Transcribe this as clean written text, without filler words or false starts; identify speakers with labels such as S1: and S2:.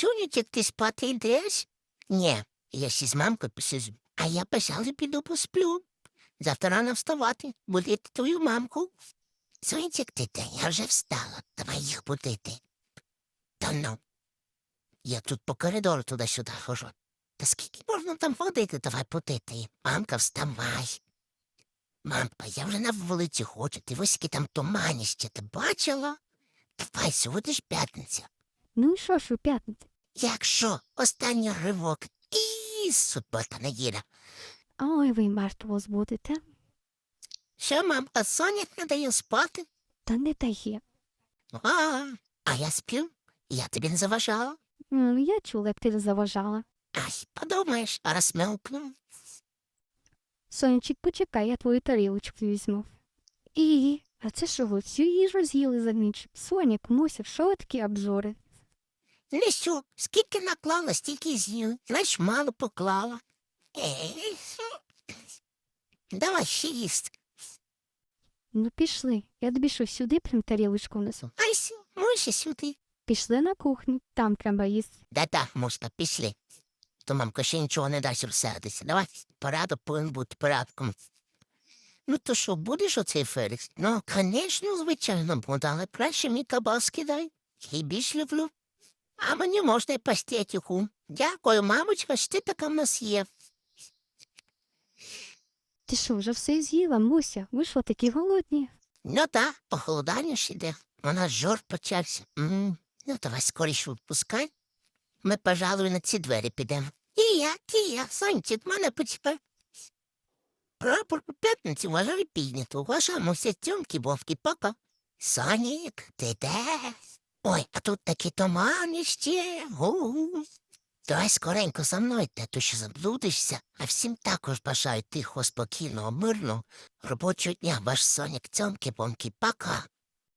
S1: Сонечек, ти спати йдеш? Ні, я ще з мамкою посижу. А я, пожалуй, піду посплю. Завтра рано вставати, будити твою мамку. Сонечек, ти де? Я вже встала. Давай їх будити. Та ну. Я тут по коридору туди-сюди хожу. Та скільки можна там ходити? Давай будити. Мамка, вставай. Мамка, я вже на вулиці хочу. Ти ось які там туманіще. Ти бачила? Давай, сьогодні ж п'ятниця.
S2: Ну і що ж у п'ятницю?
S1: Якщо останній ривок і субота неділя.
S2: Ой, ви мертво збудете.
S1: Що, мам, а Соня не дає спати?
S2: Та не дає.
S1: А я сплю? Я тобі не заважала?
S2: Я чула, як ти заважала.
S1: Ай, подумаєш, а розмелкну.
S2: Сонечек, почекай, я твою тарілочку візьму. А це що ви всю їжу з'їли за ніч? Сонік, Муся, що ви такі обзори?
S1: Лісю, скільки наклала, стільки з'їв. Знаєш, мало поклала. Давай ще їсти.
S2: Ну пішли, я тобі що, сюди прям тарілочку несу.
S1: Ай, може сюди.
S2: Пішли на кухню, там треба їсти.
S1: Да-да, муста, пішли. То мамка ще нічого не дасть розсердитися. Давай, порядок повинен бути порядком. Ну то що, будеш оцей Фелікс? Ну, звісно, звичайно буду, але краще мені кабаски дай. Я й більш люблю. А мені можна й пастетіку. Дякую, мамочка, що ти така в нас є.
S2: Ти що, вже все з'їла, Муся? Ви що, такі голодні?
S1: Ну так, похолодання ж іде. У нас жор почався. Ну, давай скоріше відпускай. Ми, пожалуй, на ці двері підемо. Тія, Сончик, мене почекай. Прапор по п'ятниці вважаю піднято. Вважаємося тьомки, вовки, пока. Сонік, ти де? Ой, а тут такі тумани ще. Давай скоренько за мною, то що заблудишся. А всім також бажаю тихо, спокійного, мирного робочого дня. Ваш Сонік, цьомки, бомки, пока.